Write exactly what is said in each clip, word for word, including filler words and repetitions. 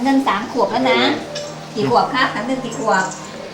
เงินสามขวบแล้วนะกี่ขวบครับขันเงินกี่ขวบ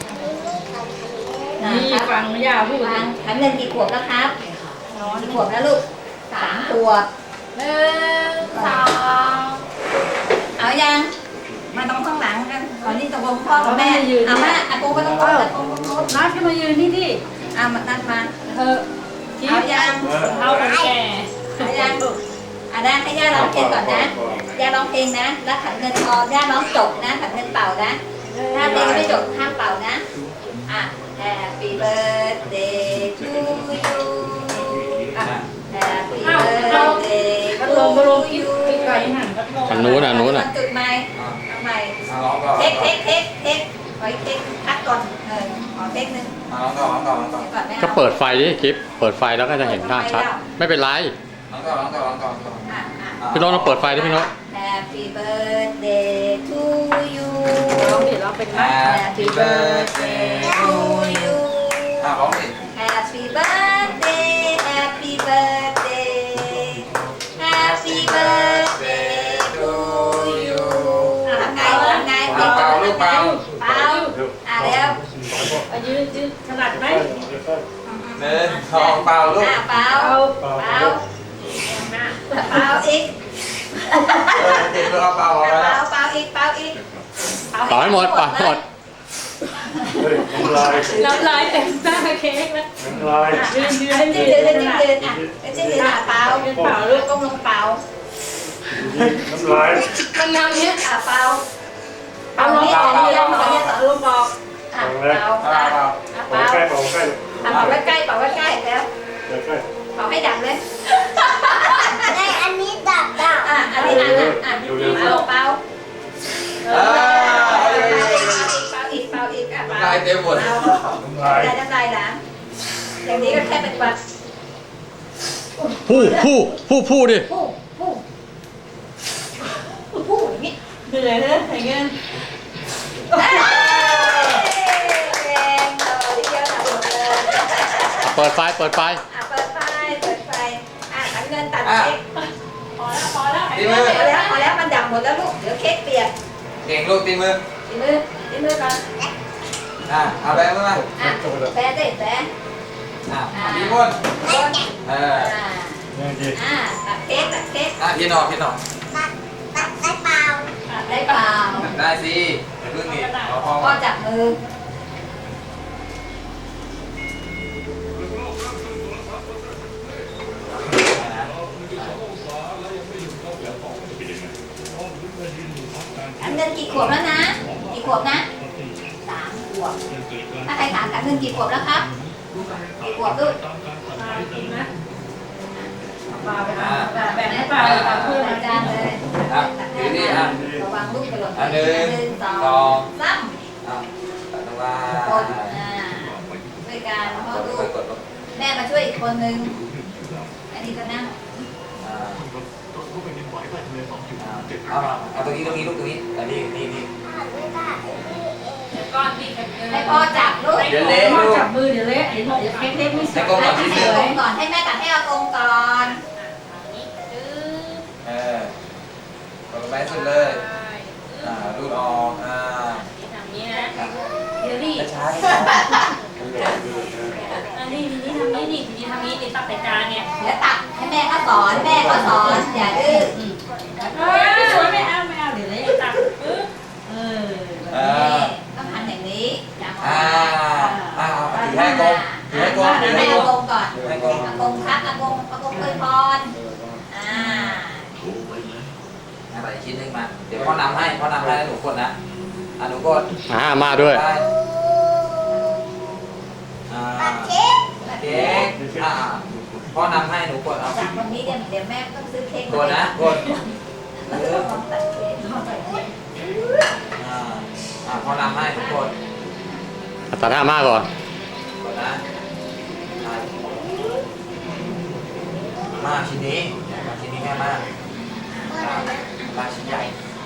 นี่ฟังย่าพูดฟังขันเงินกี่ขวบแล้วครับกี่ขวบแล้วลูกสามขวบหนึ่งสองเอายังมาตรงข้างหลังกันตอนนี้ตกลงพ่อกับแม่เอามาอากูไปตรงโน้นอากูตรงโน้นนัดขึ้นมายืนนี่ดิเอามานัดมาเธอเอายังเอาคนแก่เอายังอ่ะได้ให้ย่าร้องเพลงก่อนนะย่าร้องเพลงนะแล้วขันเงินพอย่าร้องจบนะขันเงินเป่านะถ้าเพลงไม่จบห้ามเป่านะอ่ะ Happy birthday to you อ่ะ Happy birthday พัด to ลมพัดลม you ไกลหันพัดลมทางนู้นอ่ะนู้นอ่ะจุดใหม่เอาใหม่มาร้องก่อนเทคเทคเทคเทคไว้เทคพักก่อนเออขอเทคนึงมาร้องก่อนร้องก่อนร้องก่อนเดี๋ยวก่อนไม่เอาก็เปิดไฟดิคลิปเปิดไฟแล้วก็จะเห็นภาพชัดไม่เป็นไรร้องก่อนร้องก่อนร้องก่อนร้องก่อนอ่ะอ่ะพี่โน้ตเราเปิดไฟดิพี่โน้ต Happy birthday to you ร้องดิร้องเป็นไหม Happy birthday to you อ่ะร้องดิ Happy birthday Happy birthday Happy birthday to you อ่ะทำไงทำไงเป่าลูกเป่าเป่าอ่ะเร็วยืนยืนถนัดไหมหนึ่งสองเป่าลูกอ่ะเป่าเป่าเป่าอีกเออเด็กเราเป่าเอาเป่าแล้วเป่าอีกเป่าอีกต่อให้หมดป่ะหมดเฮ้ยน้ำลายน้ำลายเต็มหน้าเค้กแล้วน้ำลายยืนยืนจิ้มยืยืนนถจิ้มนัดยืนอ่ะจิ้มยืนอ่ะเป่ายืนเปล่าลูกก้มลงเป่าน้ำลายมันนำเนี้ยอ่ะเป่าเอาลงบอกลงบอกเอาลงบอกอ่ะเป่าเป่าเป่าอ่ะเป่าเป่าใกล้เป่าใกล้อ่ะเป่าใกล้ๆเป่าใกล้ๆแล้วเดี๋ยวใกล้เป่าให้ดับเลยในอันนี้ดับดับอ่ะอันนี้อ่ะอ่ะอ่ะเป่าเป่าเออเป่าอีกเป่าอีกอ่ะเป่าลายเต็มหมดเป่าน้ำลายได้น้ำลายหลานอย่างนี้ก็แค่เป็นบัตรผู้ผู้ผู้ผู้ดิผู้ผู้ผู้อย่างนี้เหนื่อยนะอย่างเงี้ยเอ้ยแรงเลยเดียวทำหมดเลยเปิดไฟเปิดไฟอ่ะเปิดไฟเปิดไฟอ่ะขันเงินตัดอ่ะเค้กพอแล้วพอแล้วตีมือพอแล้วพอแล้วมันดับหมดแล้วลูกเดี๋ยวเค้กเปียกเก่งลูกตีมือตีมือตีมือก่อนอ่ะเอาแบงค์มาอ่ะแปะได้แปะอ่ะพี่ม้วนบนเอออ่าเนี่ยดีอ่าตัดเค้กตัดเค้กอ่ะพี่หนอพี่หนอดับดับได้เปล่าได้เปล่าได้สิเดี๋ยวพึ่งนี่เอาพอพ่อจับมือขันเงินกี่ขวบแล้วนะกี่ขวบนะสามขวบถ้าใครถามขันเงินกี่ขวบแล้วครับกี่ขวบลูกนะเปล่าไปแบ่งให้เปล่าเพื่อนใส่มาจานเลยอ่ะถือดิอ่ะระวังลูกกระโดดอันหนึ่งสอสองงสามอ่ะตัดตรงล่างกดอ่าด้วยการพ่อกดลูกกดกดลงแม่มาช่วยอีกคนนึงอันนี้ก็นั่งอ่าเอามาเอาตรงนี้ตรงนี้ลูกตรงนี้แต่นี่นี่นี่ก้อนที่ให้พ่อจับลูกเดี๋ยวเละลูกจับมือเดี๋ยวเละเดี๋ยวเค้กเล็กไม่สให้วยกลมก่อนให้นิดอากนึงงก่อนให้แม่ตัดให้อากงก่อนเออ กดลงไปให้สุดเลยอ่ารูดออกอ่าทำนี้นะเดี๋ยวรีบช้าๆช้าอันนี้นี่ทำนี้นี่นี่ทำนี้นี่ตักใส่จานเนี่ยเดี๋ยวตัดให้แม่เขาสอนแม่เขาสอนอย่าดื้อเฮ้ยไม่สวยไม่เอาไม่เอาเดี๋ยวเลยตักปึ๊บเออๆเอนี่อต้องทำอย่างนี้จับอ่าอ่าเอาถือให้กลมถือให้กลมถือให้ให้กลอาม กงก่อนถือให้กลมอากงครับอากงอากงอวยพรอ่าอ่าใส่อีกชิ้นหนึงมา เดี๋ยวพ่อนำให้พ่อนำให้แล้วหนูกดนะ อ่าหนูกดอ่ามาด้วยได้อ่าตัดเค้กเค้กอ่าพ่อนำให้หนูกดเอาจากวันนี้เดี๋ยวเดี๋ยวแม่ต้องซื้อเค้กกดนะกดแล้วก็ลองตัดเค้กอ่าอ่าพ่อนำให้ทุกคนตัดหน้ามาก่อนกดนะอ่ามาชิ้นนี้มาชิ้นนี้แค่มากอ่ามาชิ้นใหญ่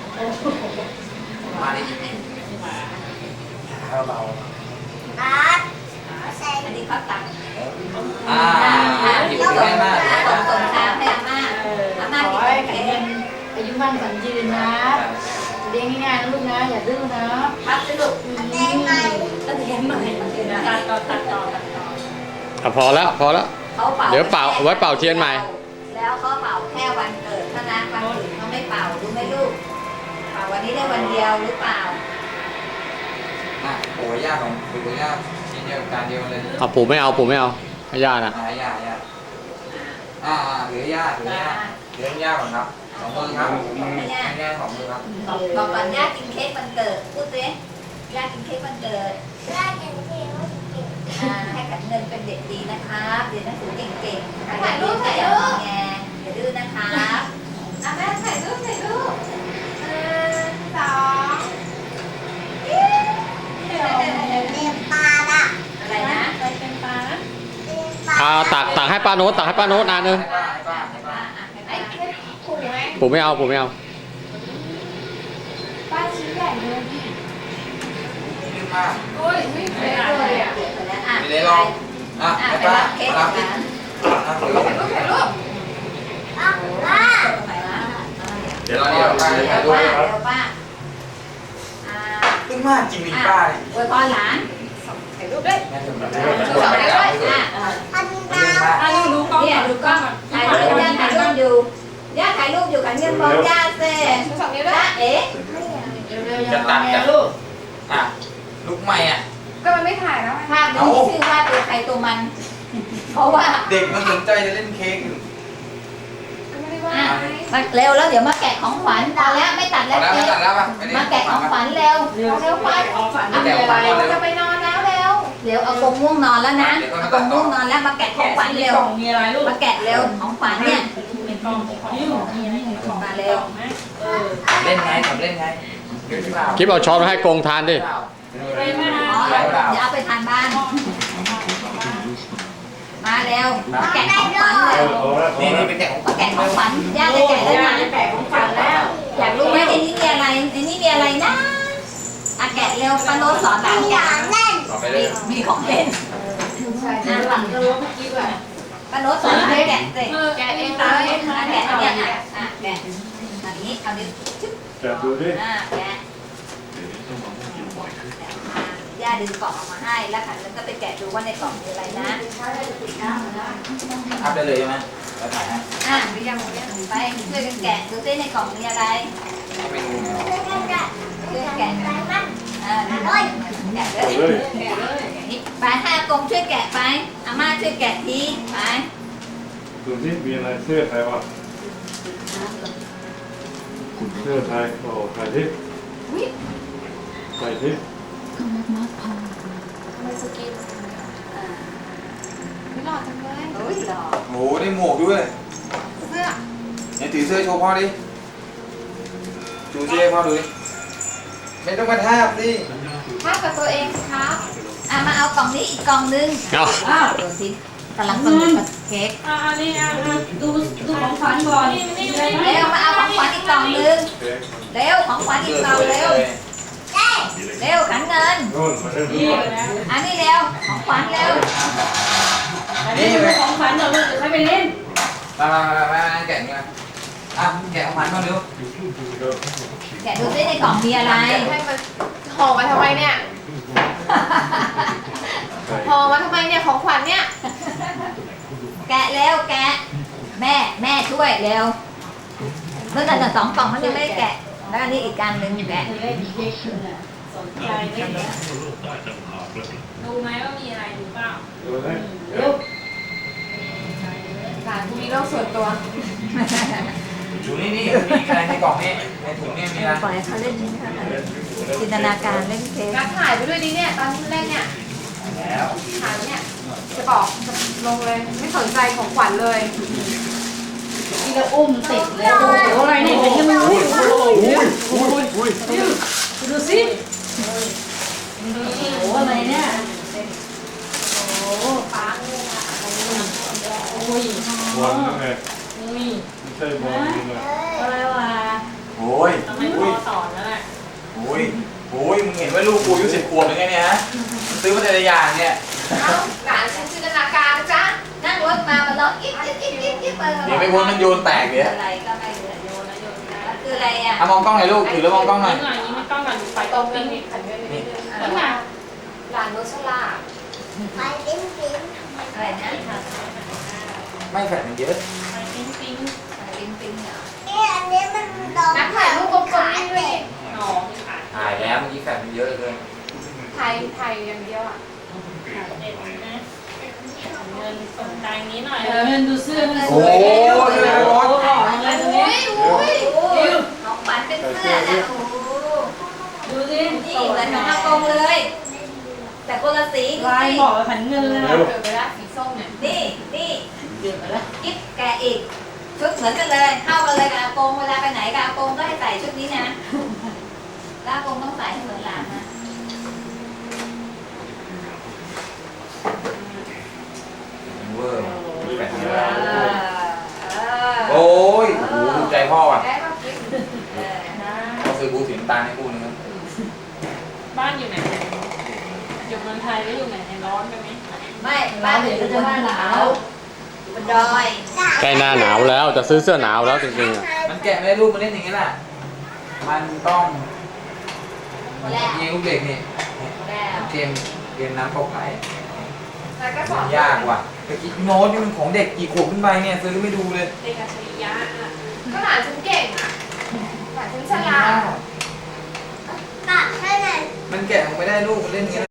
มาในอิ่มๆเบาตัดใส่อันนี้เขาตัดๆอ่าหยิบแล้วแค่มากส่งส่งชามให้อาม่าอาม่าขอกินให้เค้แข็งกแรงอายุมั่นขวัญยืนนะอเลี้ยงง่ายๆนะลูกนะอย่าดื้อนะครับสิลูกแดงไหมตัดเลี้ยงใหม่ตัดต่อตัดต่อตัดต่ออ่ะพอแล้วพอแล้วเขาเป่าเดี๋ยวเป่าไว้เป่าเทียนใหม่แล้วเขาเป่าแค่วันเกิดเท่านั้นวันอื่นเขาไม่เป่ารู้ไหมลูกเป่าวันนี้ได้วันเดียวหรือเปล่าอ่ะปู่ย่าของปู่ย่าชิ้นเดียวกันเดียวเลยเอาปู่ไม่เอาปู่ไม่เอาให้ย่านะอ่าย่าย่าอ่าอ่าเหลือย่าเหลือย่าเหลือย่าก่อนครับสองมือครับย่าสองมือครับบอกบอกก่อนย่ากินเค้กวันเกิดพูดสิย่ากินเค้กวันเกิดได้เก่งที่ว่าเก่งอ่าให้ขันเงินเป็นเด็กดีนะครับเรียนหนังสือเก่งๆถ่ายรูปถ่ายรูปแงอย่าดื้อนะครับอ่ะแม่ถ่ายรูปถ่ายรูปหนึ่งสองเรียนปลาละอะไรนะไปเป็นปลานะเรียนปลาอ่าตักตักให้ป้าโน้ตตักให้ป้าโน้ตนานนึงให้ป้าให้ป้าให้ป้าไอ้เค้กขู่ไหมปู่ไม่เอาปู่ไม่เอาป้าชิ้นใหญ่เลยดิดื้อมากโอ้ยไม่เคยเลยอ่ะเดี๋ยวก่อนนะอ่ะไปเลยลองอ่ะอ่ะให้ไปป้ารับเค้กมากัรับนดินะอ่ะถือถ่ายรูปถ่ายรูปป้าป้าตรงไหนวะเดี๋ยวเราเดี๋ยวป้าเดี๋จะยวถ่ายรูปป้าเดี๋ยวป้าอ่าดื้อมากจริงดิป้าอวยพรหลานถ่ายรูปด้วยแม่ถึงแบบถ่ายรูปด้วยอ่ะพันดื้ดาอวมากอ่ะดูดูกล้องเนี่ยดูกล้องถ่ายรูปย่าถ่ายรูปอยู่ย่าถ่ายรูปอยู่ขันเงินพร้อมย่าเซ่ดูสองนิ้วด้วจ้าย เอ๋เร็วๆจะตัดกันลูกอ่ะลูกใหม่อ่ะก็มันไม่ถ่ายแล้วภาพนี้มีชื่อว่าตัวใครตัวมัน เพราะว่าเด็กมันสนใจจะเล่นเค้กอยู่ไม่ได้ว่าอ่ะมาเร็วแล้วเดี๋ยวมาแกะของขวัญพอแล้วไม่ตัดพอแล้วแล้วเจ๊ไม่ตัดแล้วป่ะไม่ได้มาแกะของขวัญเร็วเร็วไปของฝันเอามีเร็วอะไรไปจะไปนอนแล้วเร็วเดี๋ยวเอากงง่วงนอนแล้วนะเอากงง่วงนอนแล้วมาแกะของขวัญเร็วกล่องมีอะไรลูกมาแกะเร็วของขวัญเนี่ยในกล่องของนี่มีอะไรในกล่องมาเร็วเออเล่นไงทำเล่นไงเดี๋ยวที่เปล่าคลิปเอาช้อนมาให้กงทานดิไปไหมอ๋อฮะเดี๋ยวเอาไปทานบ้าน มาเร็วมาแกะของขวัญเอเร็อวพอแล้วพอนี่แล้นี่วเป็นแกะของมาแกะของขวัญย่าจะแกะแล้วนะแปะของฝันแล้วอยากรู้ไหมในนี้มีอะไรในนี้มีอะไรนะอ่ะแกะเร็วปาโนตสอนหลานอแกะย่างเล่นต่อไปเลมียมีของเล่นใช่ใช่หลังก็รู้ว่าเมื่อกี้แบบปาโนตสอนหลานแกะสิแกเองตามเองอ่ะนะแกะแกะเนี่เนี่ย ยอ่ะอ่ะแกะอันนี้เอาดิชึบจับดูดิอ่ะแกะย่าดึงกล่องออกมาให้แล้วขันแล้วก็ไปแกะดูว่าในกล่องมีอะไรนะอัพได้เลยใช่ไหมแล้วถ่ายให้อ่ะไปช่วยกันแกะดูซิในกล่องมีอะไรเอาไปดูไงเล่นกันกันช่วยกันแกะไปมันอ่าแกะเลยแกะเลยนี่ไปให้อากงช่วยแกะไปอาม่าช่วยแกะทีไปดูที่มีอะไรเสื้อใครวะเสื้อไทยโอ้ใครที่ใครที่ทำไมสกินไม่หล่อจังเลยโอ้ยหล่อโอ้โหได้หมวกด้วยเสื้อเนี่ยถือเสื้อโชว์พ่อดิชูเสื้อให้พ่อดูดิไม่ต้องมาทาบสิภาพกับตัวเองสิครับอ่ะมาเอากล่องนี้อีกกล่องนึงเอาอ้าวดูสิกำลังสนุกกับเค้กอ่านี่อ่ะดูดูของฝันก่อนนี่นี่นี่เร็วมาเอาของขวัญอีกกล่องนึงเร็วของขวัญอีกกล่องเร็วเล่นเร็วขันเงินโน่นมาเล่นนี่ด้วยนะอันนี้เร็วของขวัญเร็วอันนี้ดูของฝันเดี๋ยวลูกจะใช้ไปเล่นมามามามาแกะนี่มาอ่ะแกะของขวัญมาเร็วแกะดูซิในกล่องมีอะไรให้มันห่อมาทำไมเนี่ยห่อมาทำไมเนี่ยของขวัญเนี่ยแกะเร็วแกะแม่แม่ช่วยเร็วเมื่อแต่สองกล่องมันยังไม่ได้แกะแล้วอันนี้อีกการหนึ่งแกะเล่นเค้กสนใจเล่นดูไหมว่ามีอะไรดูเปล่าดูนะลูกหลานกูมีโรคส่วนตัวชูนี่นี่มีอะไรในกล่องนี่ในถุงนี่มีอะไรปล่อยให้เขาเล่นจินตนาการเล่นเค้กนัดถ่ายไปด้วยดิเนี่ยตอนที่เล่นเนี่ยแล้วถ่ายเนี่ยจะบอกจะลงเลยไม่สนใจของขวัญเลยนี่ก็อุ้มติดเลยโอ้โหอะไรเนี่ยเป็นยังไงอุ้ยอุ้ยอุ้ยอุ้ยดูสิโอ้โหอะไรเนี่ยโอ้โหปังโอ้ยบอลนั่นไงอุ้ยไม่ใช่บอลนี่ไงอะไรวะโอ้ยทำไมโอ้พ่ยอสอนแล้วแหละโอ้ยโอ้ยมึงเห็นว่าลูกกูอายุสิบขวบยังไงเนี่ยฮะซื้อมาแต่ละอย่างเนี่ยเอ้าหลานฉันจินตนาการนะจ๊ะนั่งรถมามันร้องกิ๊บกิ๊บกิ๊บกิ๊บกิ๊บไปเดี๋ยวไปวนมันโยนแตกเลยอะไรก็ไม่รู้โยนแล้วโยนแล้วคืออะไรอะไรอ่ะอ่ะมองกล้องหน่อยลูกถือแล้วมองกล้องหน่อยยิ้มหน่อยยิ้มให้กล้องหน่อยไปตรงนี้มีขันเงินนิดนึงนี่ไงหลานโนชล่าไปปิ้งปิ้งอะไรนะไม่แฟดมันเยอะไปปิ้งปิ้งอะไรปิ้งปิ้งเหรอนี่อันนี้มันโดนนักถ่ายรูปกลมๆนี่ด้วยอ๋อถ่ายแล้วเมื่อกี้แฟดมันเยอะเหลือเกินถ่ายถ่ายอย่างเดียวอ่ะเด็ดนะเงินสนใจนี้หน่อยเงินดูเสื้อมันโอ้ยเลยรถหล่อเลยตรงนี้อุ้ยอุ้ยของขวัญเป็นเสื้อนะโอ้โหดูสินี่เหมือนของอากงเลย แต่คนละสีลายนี่เหมาะกับขันเงินเลยนะเกิดไปแล้วสีส้มเนี่ยนี่นี่เกิดไปแล้วกิ๊บแกะอีก ชุดเหมือนกันเลย เข้ากันเลยกับอากงเวลาไปไหนกับอากงก็ให้ใส่ชุดนี้นะแล้วอากงต้องใส่ให้เหมือนหลานนะเวอร์แฟดเยเออะอเออโอ้ยโอ้โหดูใจพ่ออ่ะได้ป่ะกิ๊บเออเขาซื้อบูสีน้ำตาลให้กูนึงครับบ้านอยู่ไหนอยู่เมืองไทยหรืออยู่ไหนในร้อนไปไหมไม่บ้านอยู่บนหนาวอยู่บนดอยใกล้หน้าหนาวแล้วจะซื้อเสื้อหนาวแล้วจริงๆอ่ะมันแกะไม่ได้รูปมันเล่นอย่างนี้แหละมันต้องแล้วยิงลูกเด็กนี่แล้วเกมเกมน้ำตกไหลแล้วก็สอมัน นยากว่ะแต่กิ๊กโน้ตนี่มันของเด็กกี่ขวบขึ้นไปเนี่ยซื้อไม่ดูเลยเด็กอัจฉริยะก็หลานฉันเก่งอ่ะหลานฉันฉลาดตัดให้หน่อยมันแกะออกไม่ได้ลูกมันเล่นอย่างนี้